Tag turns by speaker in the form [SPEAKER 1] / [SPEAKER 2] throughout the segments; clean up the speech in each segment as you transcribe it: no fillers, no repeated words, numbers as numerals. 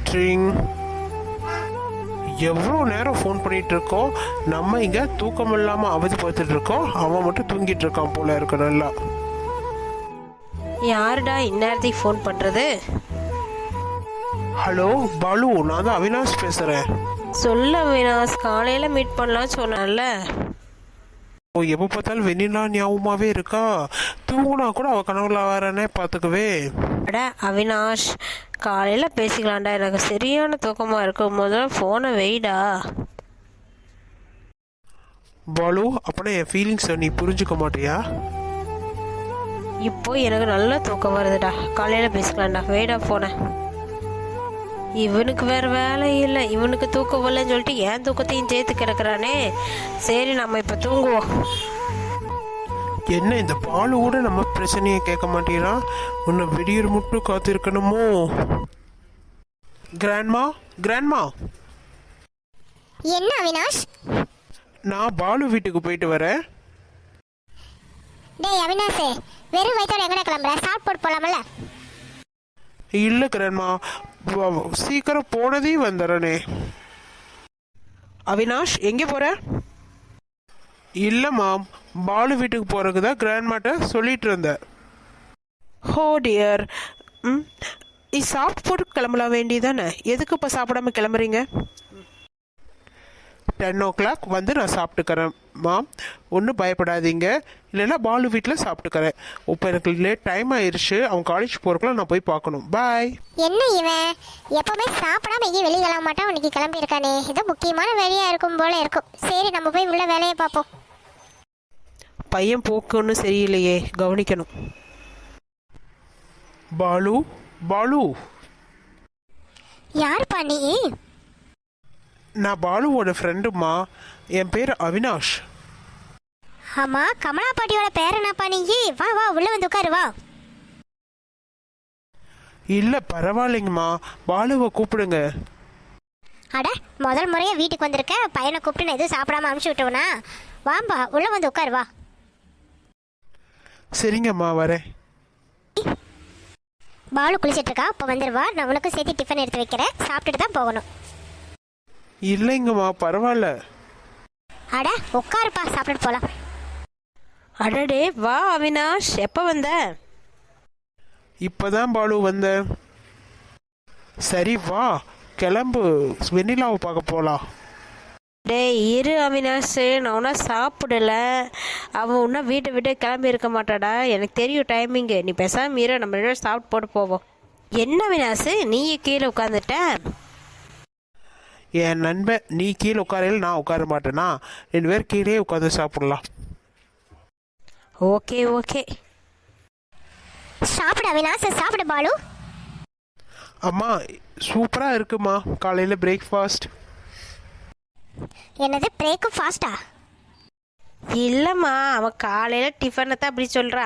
[SPEAKER 1] Drink. எவ்வளோ நேரம் phone பண்ணிட்டு இருக்கோம். நம்ம இங்கே தூக்கம் இல்லாமல் அவதி பார்த்துட்டு இருக்கோம். அவன் மட்டும் தூங்கிட்டு இருக்கான் போல இருக்கு. நல்லா
[SPEAKER 2] யாருடா இந்நேரத்துக்கு ஃபோன் பண்ணுறது?
[SPEAKER 1] ஹலோ பாலு, நான் தான் அவினாஷ் பேசுகிறேன்.
[SPEAKER 2] சொல்ல அவினாஷ், காலையில் மீட் பண்ணலாம் சொன்னால.
[SPEAKER 1] ஓ, எப்போ பார்த்தாலும் வெண்ணிலா ஞாபகமாகவே இருக்கா. தூங்குனா கூட அவள் கனவுல வரனே பார்த்துக்கவே.
[SPEAKER 2] அட அவினாஷ், காலையில் பேசிக்கலாம்டா, எனக்கு சரியான தூக்கமாக இருக்கும். முதல்ல ஃபோனை வெயிடா.
[SPEAKER 1] பாலு, அப்படின்னா என் ஃபீலிங்ஸை நீ புரிஞ்சுக்க மாட்டியா?
[SPEAKER 2] இப்போ எனக்கு நல்ல தூக்கம் வருதுடா, காலையில் பேசிக்கலாம்டா, வெயிடா ஃபோனை. இவனுக்கு வேறு வேலை இல்லை, இவனுக்கு தூக்கம் வரலன்னு சொல்லிட்டு ஏன் தூக்கத்தையும் சேர்த்து கிடக்குறானே. சரி, நம்ம இப்போ தூங்குவோம்.
[SPEAKER 1] என்ன இந்த பாலு கூட நம்ம பிரச்சனையை கேட்க மாட்டேங்கிறான். உன்னை விடியர் மட்டும் காத்திருக்கணுமோ? Grandma, grandma.
[SPEAKER 3] என்ன அவினாஷ்?
[SPEAKER 1] நான் பாலு வீட்டுக்கு போயிட்டு வரேன்.
[SPEAKER 3] டேய் அவினாஷ், வெறும் வயிற்றோட எங்கடா கிளம்புற? சாப்பிட்டு போலாமல்ல?
[SPEAKER 1] இல்லை கிராண்ட்மா, சீக்கிரம் போனதே வந்துடுறனே.
[SPEAKER 2] அவினாஷ், எங்கே போற?
[SPEAKER 1] இல்லைம்மா, பாலு வீட்டுக்கு போகிறதுக்கு தான் கிராண்ட்மாட்ட சொல்லிட்டு இருந்தேன்.
[SPEAKER 2] ஹோ டியர். நீ சாப்பிட்டு போட்டு கிளம்பலாம் வேண்டியதானே, எதுக்கு இப்போ சாப்பிடாம கிளம்புறீங்க?
[SPEAKER 1] 10 o'clock வந்து நான் சாப்பிட்டுக்கிறேன் மாம், ஒன்றும் பயப்படாதீங்க. இல்லைன்னா பாலு வீட்டில் சாப்பிட்டுக்கிறேன். இப்போ எனக்கு லேட் டைம் ஆயிடுச்சு, அவன் காலேஜ் போகிறக்குள்ள நான் போய் பார்க்கணும். பாய்.
[SPEAKER 3] என்ன இவன் எப்பவுமே சாப்பிடாம எங்கேயும் வெளியே கிளம்ப மாட்டான், இன்னைக்கு கிளம்பி இருக்கானே. ஏதோ முக்கியமான வேலையா இருக்கும் போல இருக்கும். சரி, நம்ம போய் உள்ள வேலையை பார்ப்போம்.
[SPEAKER 2] பையன் போக்கு ஒன்றும் சரியில்லையே, கவனிக்கணும்.
[SPEAKER 1] பாலு, பாலு.
[SPEAKER 3] யாருப்பா நீ?
[SPEAKER 1] நான் பாலுவோட ஃப்ரெண்டுமா, என் பேர் அவினாஷ்.
[SPEAKER 3] ஆமா, கமலா பாட்டியோட பேர் என்னப்பா நீ? வா வா, உள்ள வந்து உட்காரு வா.
[SPEAKER 1] இல்லை பரவாயில்லைங்கம்மா, பாலுவை கூப்பிடுங்க.
[SPEAKER 3] அட, முதல் முறையா வீட்டுக்கு வந்திருக்க, பையனை கூப்பிட்டு நான் எதுவும் சாப்பிடாம அனுப்பிச்சு விட்டுவனா? வாம்பா, உள்ள வந்து உட்காரு வா.
[SPEAKER 1] சரிங்கம்மா, வரேன்.
[SPEAKER 3] பாலு குளிச்சிட்டு இருக்கா, இப்போ வந்துருவா. நான் உனக்கு சேர்த்து டிஃபன் எடுத்து வைக்கிறேன், சாப்பிட்டுட்டு தான் போகணும்.
[SPEAKER 1] இல்லைங்கம்மா, பரவாயில்ல.
[SPEAKER 3] அட உட்காருப்பா, சாப்பிட்டுட்டு போலாம்.
[SPEAKER 2] அடடே, வா அவினாஷ், எப்போ வந்த?
[SPEAKER 1] இப்போதான் பாலு வந்தேன். சரி வா, கிளம்பு, வெண்ணிலாவை பார்க்க போகலாம்.
[SPEAKER 2] டேய் இரு அவினாஷ், நான் ஒன்றா சாப்பிடல. அவன் ஒன்றா வீட்டை விட்டு கிளம்பி இருக்க மாட்டாடா, எனக்கு தெரியும் டைமிங்கு. நீ பேசாமல் இரு, நம்ம 2 பேரும் சாப்பிட்டு போட்டு போவோம். என்ன அவினாஷ், நீ கீழே உட்காந்துட்ட?
[SPEAKER 1] என் நண்பன், நீ கீழே உட்காரையில் நான் உட்கார மாட்டேனா? 2 பேர் கீழே உட்காந்து சாப்பிடலாம்.
[SPEAKER 2] Okay okay.
[SPEAKER 3] சாப்பிட அவினாஷ், சாப்பிட பாலு.
[SPEAKER 1] அம்மா, சூப்பராக இருக்குமா காலையில் பிரேக்ஃபாஸ்ட்.
[SPEAKER 3] என்னது பிரேக்ஃபாஸ்டா?
[SPEAKER 2] இல்லைம்மா, அவன் காலையில் டிஃபனை தான் அப்படி சொல்கிறா.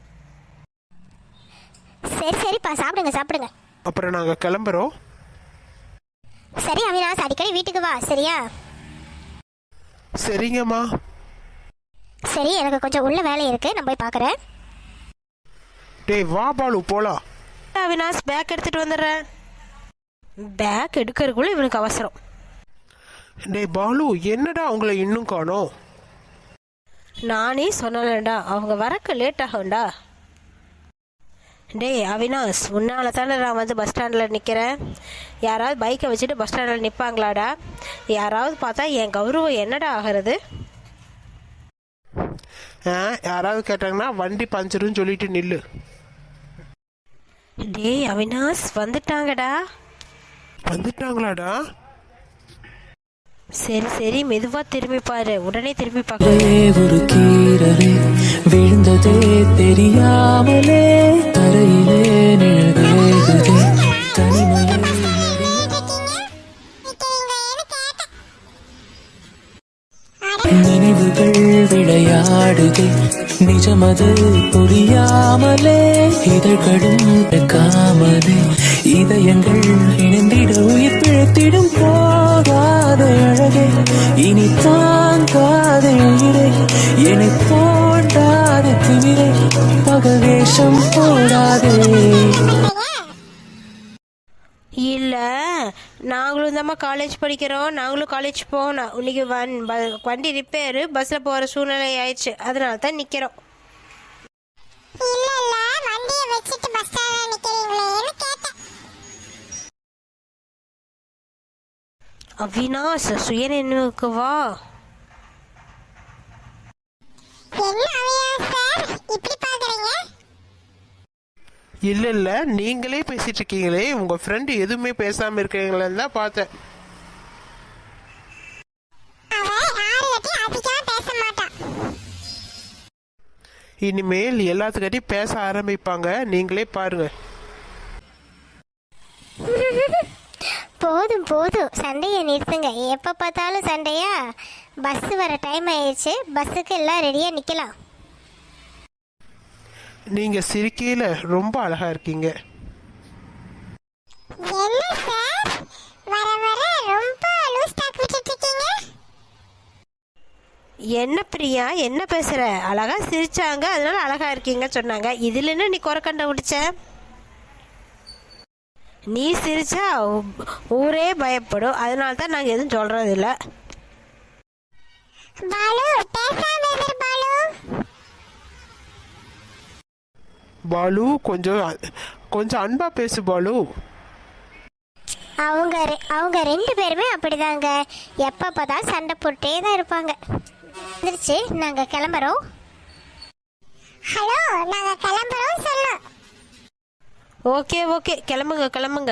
[SPEAKER 3] சரி சரிப்பா, சாப்பிடுங்க சாப்பிடுங்க.
[SPEAKER 1] அப்புறம் நாங்கள் கிளம்புறோம்.
[SPEAKER 3] சரி அவினாஷ், அடிக்கடி வீட்டுக்கு வா, சரியா?
[SPEAKER 1] சரிங்கம்மா.
[SPEAKER 3] சரி, எனக்கு கொஞ்சம் உள்ள வேலை இருக்கு, நான் போய் பார்க்குறேன்.
[SPEAKER 1] டேய் வா பாலு, போலாம்.
[SPEAKER 2] அவினாஷ், பேக் எடுத்துகிட்டு வந்துடுறேன். பேக் எடுக்கிறதுக்குள்ளே இவனுக்கு அவசரம்.
[SPEAKER 1] டேய் பாலு, என்னடா அவங்கள இன்னும் காணோம்?
[SPEAKER 2] நானே சொன்னலடா, அவங்க வரக்கு லேட் ஆகும்டா. டேய் அவினாஷ், உன்னால தானே நான் வந்து பஸ் ஸ்டாண்டில் நிற்கிறேன். யாராவது பைக்கை வச்சுட்டு பஸ் ஸ்டாண்டில் நிற்பாங்களாடா? யாராவது பார்த்தா என் கௌரவம் என்னடா ஆகிறது?
[SPEAKER 1] யாராவது கேட்டாங்கன்னா வண்டி பஞ்சருன்னு சொல்லிட்டு நில்லு.
[SPEAKER 2] டேய் அவினாஷ், வந்துட்டாங்கடா.
[SPEAKER 1] வந்துட்டாங்களாடா?
[SPEAKER 2] சரி சரி, மெதுவா திரும்பி பாரு, உடனே திரும்பி பார்க்க.
[SPEAKER 4] ஒரு கீரலே விழுந்ததே தெரியாமலே, தரையிலே நிழல்களே தனிமையே. நினைவுகள் விளையாடுதே, நிஜமது புரியாமலே, இதழ்களும் காமலே, இதயங்கள் இணைந்திட உயிர் பிழைத்திடும். போகாத அழகே, இனி தாங்காத உயிரை, என்னை போடாத திமிரை, பகவேஷம் போடாதே.
[SPEAKER 2] இல்ல நாங்களும் தாம்மா காலேஜ் படிக்கிறோம், நாங்களும் காலேஜ் போகணும். இன்னைக்கு வண்டி ரிப்பேரு, பஸ்ஸில் போகிற சூழ்நிலை ஆயிடுச்சு, அதனால தான் நிற்கிறோம்.
[SPEAKER 3] இல்ல இல்ல வண்டியை வச்சுட்டு பஸ் ஸ்டாண்ட்ல நிக்கிறீங்களேன்னு கேட்டேன்.
[SPEAKER 2] அவினாஷ் சுயநினைவுக்கு வா.
[SPEAKER 3] என்ன அவினாஷ் சார் இப்படி பாக்குறீங்க?
[SPEAKER 1] இல்லை இல்லை, நீங்களே பேசிட்டு இருக்கீங்களே, உங்கள் ஃப்ரெண்டு எதுவுமே பேசாமல் இருக்கீங்களேன்னு தான் பார்த்தேன்.
[SPEAKER 3] அவ யார்கிட்டயும் அதிகமா பேச மாட்டான்.
[SPEAKER 1] இனிமேல் எல்லாத்துக்கிட்டையும் பேச ஆரம்பிப்பாங்க, நீங்களே பாருங்க.
[SPEAKER 3] போதும் போதும், சண்டையை நிறுத்துங்க. எப்போ பார்த்தாலும் சண்டையா? பஸ் வர டைம் ஆயிடுச்சு, பஸ்ஸுக்கு எல்லாம் ரெடியாக நிற்கலாம்.
[SPEAKER 1] நீங்கள் சிரிக்கையில் ரொம்ப அழகாக இருக்கீங்க.
[SPEAKER 3] என்ன சார் வர வர ரொம்ப லூஸ் டாக் விட்டுட்டு இருக்கீங்க?
[SPEAKER 2] என்ன பிரியா, என்ன பேசுகிற? அழகா சிரிச்சாங்க, அதனால அழகா இருக்கீங்க சொன்னாங்க. இதில் என்ன நீ குறை கண்டுபிடிச்ச? நீ சிரிச்சா ஊரே பயப்படும், அதனால தான் நாங்கள் எதுவும் சொல்கிறது இல்லை.
[SPEAKER 3] பாலு பேசாம இரு பாலு.
[SPEAKER 1] பாலு கொஞ்சம் அன்பா பேசு பாலு.
[SPEAKER 3] அவங்க ரெண்டு பேருமே அப்படிதாங்க, எப்போ பார்த்தாலும் சண்டை போட்டே தான் இருப்பாங்க. வந்துருச்சு, நாங்கள் கிளம்புறோம். ஹலோ, நாங்கள் கிளம்புறோம் சொன்னோம்.
[SPEAKER 2] ஓகே ஓகே, கிளம்புங்க கிளம்புங்க.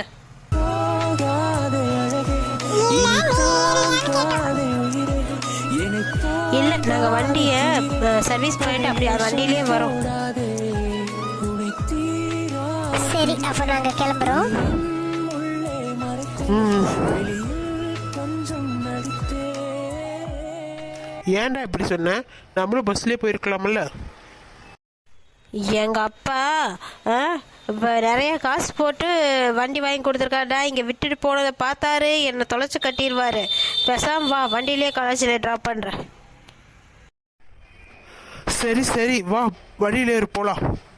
[SPEAKER 2] இல்லை, நாங்கள் வண்டியை சர்வீஸ் பண்ணிட்டு அப்படி அது வண்டியிலே வரோம்.
[SPEAKER 3] சரி, அப்போ நாங்கள் கிளம்புறோம்.
[SPEAKER 1] ஏன்டா இப்படி சொன்ன? நம்மளும் பஸ்லேயே போயிருக்கலாம்ல.
[SPEAKER 2] எங்கள் அப்பா இப்போ நிறைய காசு போட்டு வண்டி வாங்கி கொடுத்துருக்காடா, இங்கே விட்டுட்டு போனதை பார்த்தாரு, என்னை தொலைச்சி கட்டிடுவார். பேசாம வா, வண்டியிலே காலேஜில் ட்ராப் பண்ணுறேன்.
[SPEAKER 1] சரி சரி, வா வழியில போகலாம்.